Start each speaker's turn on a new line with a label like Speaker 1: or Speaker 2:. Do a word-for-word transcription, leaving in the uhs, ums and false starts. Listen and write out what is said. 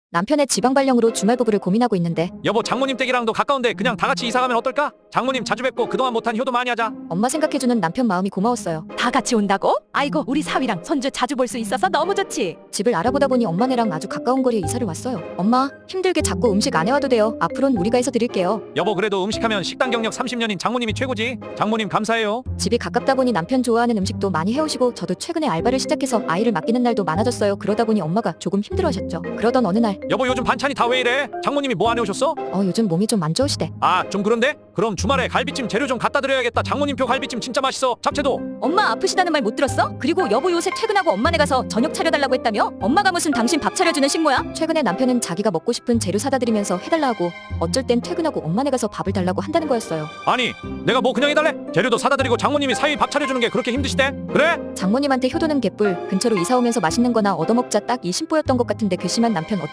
Speaker 1: 남편의 지방 발령으로 주말 부부를 고민하고 있는데
Speaker 2: 여보, 장모님 댁이랑도 가까운데 그냥 다 같이 이사 가면 어떨까? 장모님 자주 뵙고 그동안 못한 효도 많이 하자.
Speaker 1: 엄마 생각해주는 남편 마음이 고마웠어요.
Speaker 3: 다 같이 온다고? 아이고, 우리 사위랑 손주 자주 볼 수 있어서 너무 좋지.
Speaker 1: 집을 알아보다 보니 엄마네랑 아주 가까운 거리에 이사를 왔어요. 엄마, 힘들게 자꾸 음식 안 해와도 돼요. 앞으론 우리가 해서 드릴게요.
Speaker 2: 여보, 그래도 음식하면 식당 경력 삼십 년인 장모님이 최고지. 장모님 감사해요.
Speaker 1: 집이 가깝다 보니 남편 좋아하는 음식도 많이 해오시고 저도 최근에 알바를 시작해서 아이를 맡기는 날도 많아졌어요. 그러다 보니 엄마가 조금 힘들어하셨죠. 그러던 어느 날
Speaker 2: 여보, 요즘 반찬이 다 왜 이래? 장모님이 뭐 안 해오셨어?
Speaker 1: 어 요즘 몸이 좀 안 좋으시대.
Speaker 2: 아, 좀 그런데? 그럼 주말에 갈비찜 재료 좀 갖다 드려야겠다. 장모님표 갈비찜 진짜 맛있어. 잡채도.
Speaker 3: 엄마 아프시다는 말 못 들었어? 그리고 여보 요새 퇴근하고 엄마네 가서 저녁 차려달라고 했다며? 엄마가 무슨 당신 밥 차려주는 식모야?
Speaker 1: 최근에 남편은 자기가 먹고 싶은 재료 사다 드리면서 해달라 하고 어쩔 땐 퇴근하고 엄마네 가서 밥을 달라고 한다는 거였어요.
Speaker 2: 아니, 내가 뭐 그냥 해달래? 재료도 사다 드리고 장모님이 사위 밥 차려주는 게 그렇게 힘드시대? 그래?
Speaker 1: 장모님한테 효도는 개뿔. 근처로 이사 오면서 맛있는 거나 얻어먹자 딱 이 심보였던 것 같은데 괘씸한 남편 어떡